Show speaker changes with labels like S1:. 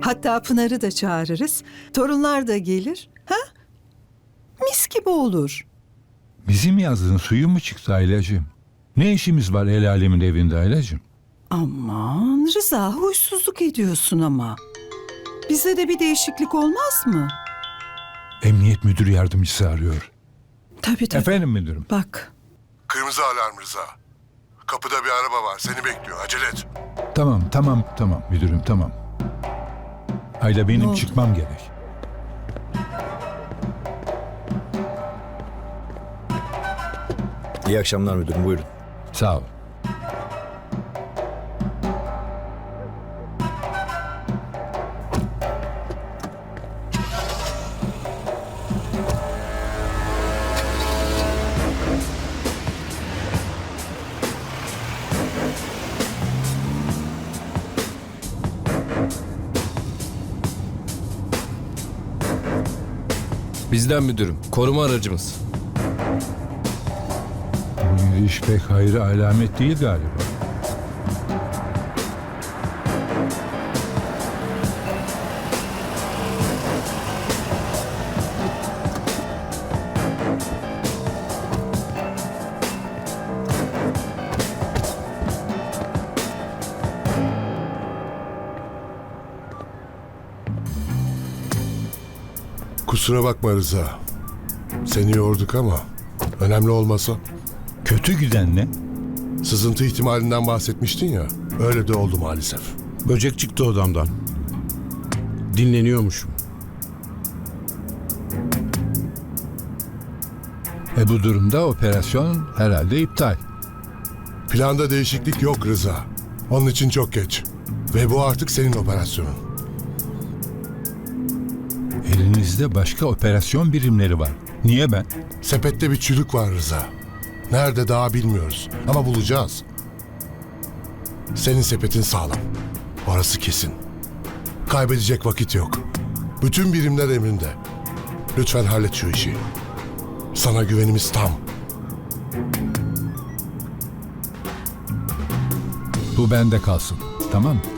S1: Hatta Pınar'ı da çağırırız. Torunlar da gelir. Ha? Mis gibi olur.
S2: Bizim yazdığın suyu mu çıktı Aylacığım? Ne işimiz var el alemin evinde Aylacığım?
S1: Aman Rıza, huysuzluk ediyorsun ama. Bize de bir değişiklik olmaz mı?
S2: Emniyet müdür yardımcısı arıyor.
S1: Tabii.
S2: Efendim müdürüm.
S1: Bak.
S3: Kırmızı alarm Rıza. Kapıda bir araba var. Seni bekliyor. Acele et.
S2: Tamam müdürüm tamam. Ayla
S1: Ne
S2: benim
S1: oldu?
S2: çıkmam gerek.
S4: İyi akşamlar müdürüm, buyurun.
S2: Sağ ol.
S5: Bizden müdürüm. Koruma aracımız.
S2: Bu yürüyüş pek hayra alamet değil galiba.
S3: Kusura bakma Rıza. Seni yorduk ama önemli olmasa.
S2: Kötü giden ne?
S3: Sızıntı ihtimalinden bahsetmiştin ya. Öyle de oldu maalesef.
S6: Böcek çıktı odamdan. Dinleniyormuşum.
S2: Bu durumda operasyon herhalde iptal.
S3: Planda değişiklik yok Rıza. Onun için çok geç. Ve bu artık senin operasyonun.
S2: Elinizde başka operasyon birimleri var. Niye ben?
S3: Sepette bir çürük var Rıza. Nerede daha bilmiyoruz. Ama bulacağız. Senin sepetin sağlam. Orası kesin. Kaybedecek vakit yok. Bütün birimler emrinde. Lütfen hallet şu işi. Sana güvenimiz tam.
S2: Bu bende kalsın. Tamam mı?